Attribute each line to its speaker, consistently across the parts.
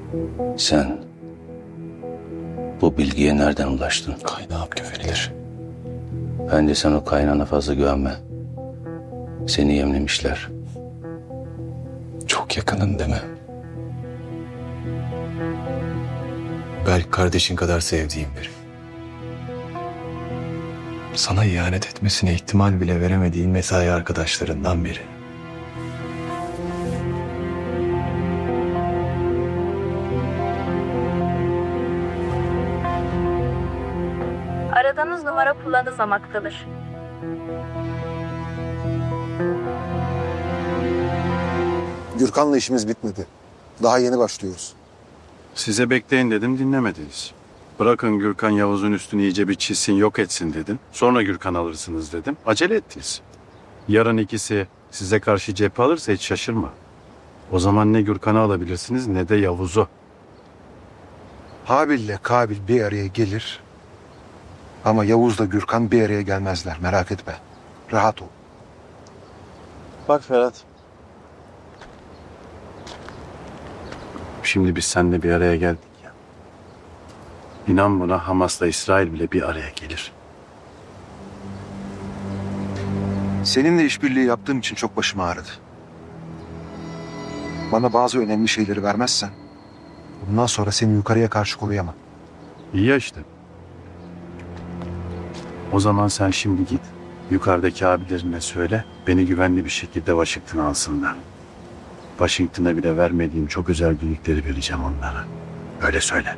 Speaker 1: Sen bu bilgiye nereden ulaştın?
Speaker 2: Kaynağım güvenilir.
Speaker 1: Bence sen o kaynağına fazla güvenme. Seni yemlemişler.
Speaker 2: Çok yakının deme. Belki kardeşin kadar sevdiğim biri. Sana ihanet etmesine ihtimal bile veremediğin mesai arkadaşlarından biri.
Speaker 3: Aradığınız numara kullanılmamaktadır.
Speaker 4: Gürkan'la işimiz bitmedi. Daha yeni başlıyoruz.
Speaker 5: Size bekleyin dedim, dinlemediniz. Bırakın Gürkan Yavuz'un üstünü iyice bir çizsin, yok etsin dedim. Sonra Gürkan alırsınız dedim. Acele ettiniz. Yarın ikisi size karşı cephe alırsa hiç şaşırma. O zaman ne Gürkan'ı alabilirsiniz ne de Yavuz'u.
Speaker 4: Habil'le Kabil bir araya gelir. Ama Yavuz'la Gürkan bir araya gelmezler. Merak etme. Rahat ol.
Speaker 5: Bak Ferhat. Şimdi biz seninle bir araya geldik ya. İnan buna, Hamas'la İsrail bile bir araya gelir.
Speaker 4: Seninle işbirliği yaptığım için çok başım ağrıdı. Bana bazı önemli şeyleri vermezsen bundan sonra seni yukarıya karşı koruyamam.
Speaker 5: İyi ya işte. O zaman sen şimdi git. Yukarıdaki abilerine söyle. Beni güvenli bir şekilde Washington'a alsınlar. Washington'a bile vermediğim çok özel birlikleri vereceğim onlara. Öyle söyle.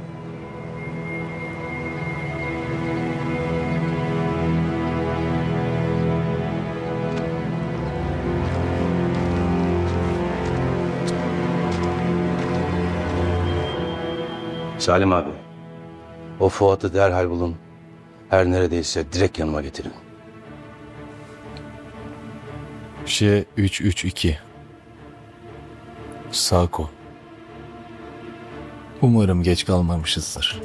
Speaker 1: Salim abi, o Fuat'ı derhal bulun. Her neredeyse direkt yanıma getirin.
Speaker 2: J332 Sako. Umarım geç kalmamışızdır.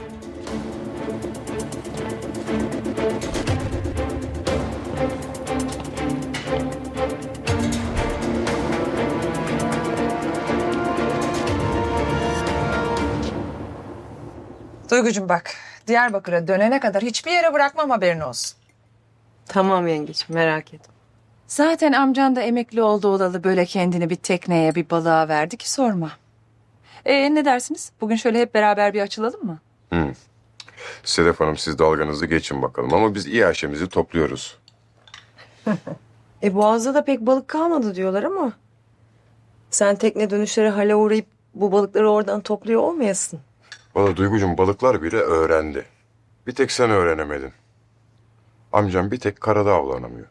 Speaker 6: Duygucuğum bak, Diyarbakır'a dönene kadar hiçbir yere bırakmam, haberin olsun.
Speaker 7: Tamam yengeciğim, merak etme.
Speaker 6: Zaten amcan da emekli oldu olalı böyle kendini bir tekneye bir balığa verdi ki sorma. Ne dersiniz? Bugün şöyle hep beraber bir açılalım mı?
Speaker 8: Sedef Hanım, siz dalganızı geçin bakalım ama biz İHŞ'mizi topluyoruz.
Speaker 7: Boğaz'da da pek balık kalmadı diyorlar ama... Sen tekne dönüşleri hale uğrayıp bu balıkları oradan topluyor olmayasın.
Speaker 8: Valla Duygucuğum, balıklar bile öğrendi. Bir tek sen öğrenemedin. Amcam bir tek karada avlanamıyor.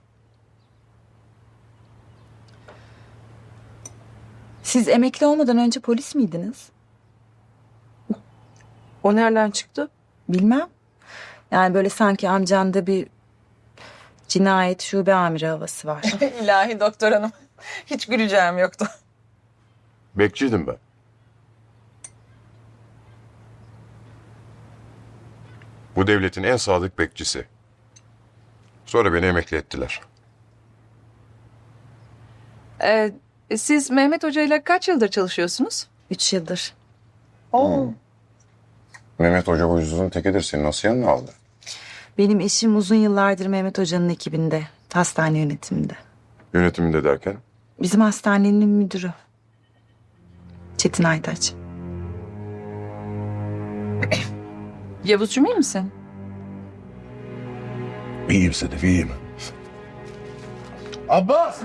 Speaker 9: Siz emekli olmadan önce polis miydiniz?
Speaker 7: O nereden çıktı?
Speaker 9: Bilmem. Yani böyle sanki amcanda bir cinayet şube amiri havası var.
Speaker 6: İlahi doktor hanım, hiç güleceğim yoktu.
Speaker 8: Bekçiydim ben. Bu devletin en sadık bekçisi. Sonra beni emekli ettiler.
Speaker 6: Siz Mehmet Hoca ile kaç yıldır çalışıyorsunuz?
Speaker 9: 3 yıldır.
Speaker 8: Mehmet Hoca bu yüzünün tekidir. Seni nasıl yanına aldı?
Speaker 9: Benim eşim uzun yıllardır Mehmet Hoca'nın ekibinde, hastane yönetiminde.
Speaker 8: Yönetiminde derken?
Speaker 9: Bizim hastanenin müdürü. Çetin Aytaç.
Speaker 6: Yavuzcuğum, iyi misin?
Speaker 4: İyiyim Sedef, iyiyim. Abbas!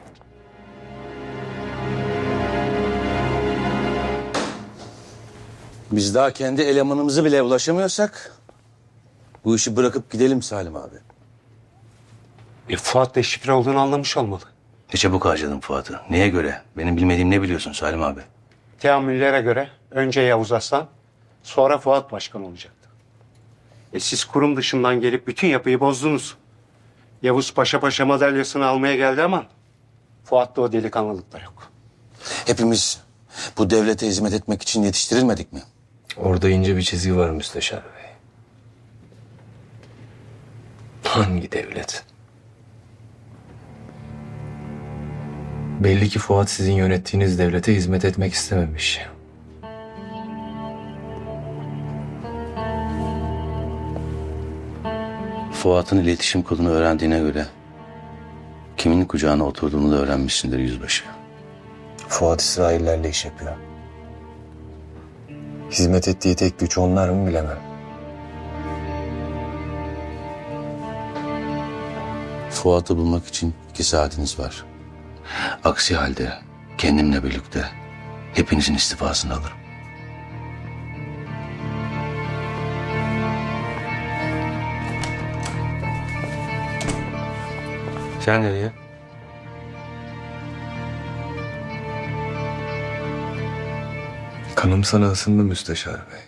Speaker 1: Biz daha kendi elemanımızı bile ulaşamıyorsak bu işi bırakıp gidelim Salim abi.
Speaker 10: Fuat da şifre olduğunu anlamış olmalı.
Speaker 1: Ne çabuk harcadın Fuat'ı. Neye göre? Benim bilmediğim ne biliyorsun Salim abi?
Speaker 10: Teamüllere göre önce Yavuz Aslan, sonra Fuat başkan olacaktı. Siz kurum dışından gelip bütün yapıyı bozdunuz. Yavuz paşa paşa madalyasını almaya geldi ama Fuat'ta o delikanlılıklar yok.
Speaker 1: Hepimiz bu devlete hizmet etmek için yetiştirilmedik mi?
Speaker 2: Orada ince bir çizgi var Müsteşar Bey. Hangi devlet? Belli ki Fuat sizin yönettiğiniz devlete hizmet etmek istememiş.
Speaker 1: Fuat'ın iletişim kodunu öğrendiğine göre kimin kucağına oturduğunu da öğrenmişsindir yüzbaşı.
Speaker 2: Fuat İsraillerle iş yapıyor. Hizmet ettiği tek güç onlar mı bilemem.
Speaker 1: Fuat'ı bulmak için 2 saatiniz var. Aksi halde kendimle birlikte hepinizin istifasını alırım. Sen nereye?
Speaker 2: Kanım sana ısındı müsteşar bey.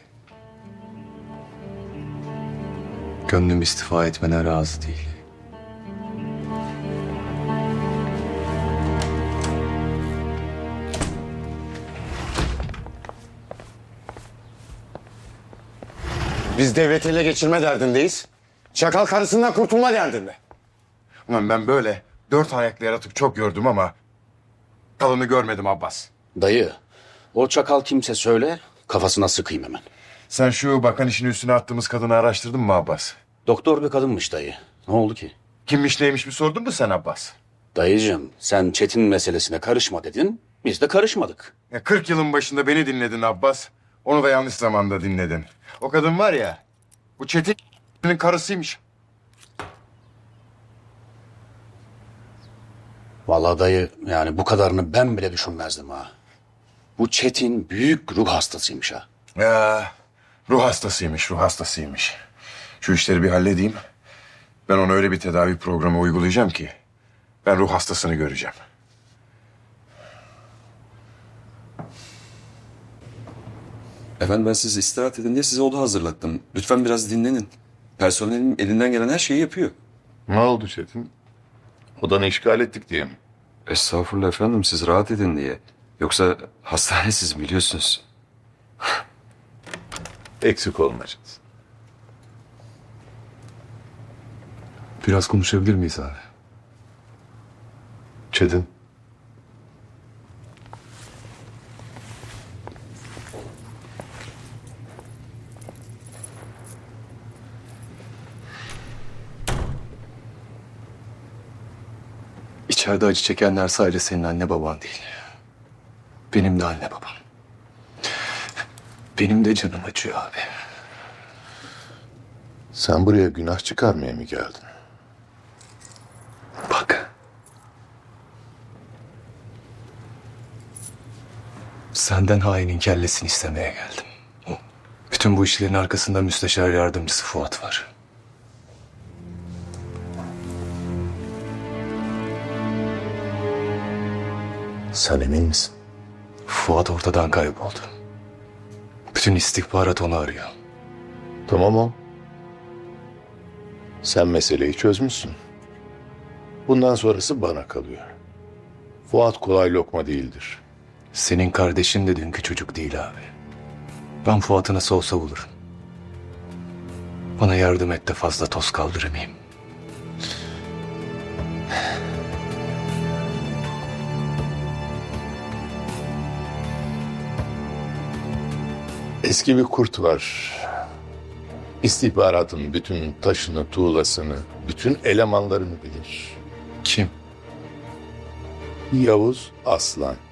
Speaker 2: Gönlüm istifa etmene razı değil.
Speaker 11: Biz devleti ele geçirme derdindeyiz. Çakal karısından kurtulma derdinde.
Speaker 8: Ulan ben böyle 4 ayaklı yaratık çok gördüm ama kalını görmedim Abbas.
Speaker 11: Dayı, o çakal kimse söyle, kafasına sıkayım hemen.
Speaker 8: Sen şu bakan işini üstüne attığımız kadını araştırdın mı Abbas?
Speaker 11: Doktor bir kadınmış dayı. Ne oldu ki?
Speaker 8: Kimmiş neymiş bir sordun mu sen Abbas?
Speaker 11: Dayıcığım, sen Çetin meselesine karışma dedin, biz de karışmadık.
Speaker 8: 40 yılın başında beni dinledin Abbas. Onu da yanlış zamanda dinledin. O kadın var ya, bu Çetin'in karısıymış.
Speaker 11: Vallahi dayı, yani bu kadarını ben bile düşünmezdim ha. Bu Çetin büyük ruh hastasıymış ha.
Speaker 8: Ya, ruh hastasıymış, ruh hastasıymış. Şu işleri bir halledeyim. Ben ona öyle bir tedavi programı uygulayacağım ki ben ruh hastasını göreceğim.
Speaker 12: Efendim ben siz istirahat edin diye size oda hazırlattım. Lütfen biraz dinlenin. Personelim elinden gelen her şeyi yapıyor.
Speaker 8: Ne oldu Çetin? Odanı işgal ettik diye mi?
Speaker 12: Estağfurullah efendim siz rahat edin diye. Yoksa hastane siz biliyorsunuz.
Speaker 8: Eksik olmayacağız.
Speaker 2: Biraz konuşabilir miyiz abi?
Speaker 8: Çetin.
Speaker 2: İçeride acı çekenler sadece senin anne baban değil. Benim de anne babam. Benim de canım acıyor abi.
Speaker 8: Sen buraya günah çıkarmaya mı geldin?
Speaker 2: Bak. Senden hainin kellesini istemeye geldim. Bütün bu işlerin arkasında müsteşar yardımcısı Fuat var.
Speaker 8: Sen emin misin?
Speaker 2: Fuat ortadan kayboldu. Bütün istihbarat onu arıyor.
Speaker 8: Tamam o. Sen meseleyi çözmüşsün. Bundan sonrası bana kalıyor. Fuat kolay lokma değildir.
Speaker 2: Senin kardeşin de dünkü çocuk değil abi. Ben Fuat'ı nasıl olsa bulurum. Bana yardım et de fazla toz kaldırmayayım.
Speaker 13: Eski bir kurt var. İstihbaratın bütün taşını, tuğlasını, bütün elemanlarını bilir.
Speaker 2: Kim?
Speaker 13: Yavuz Aslan.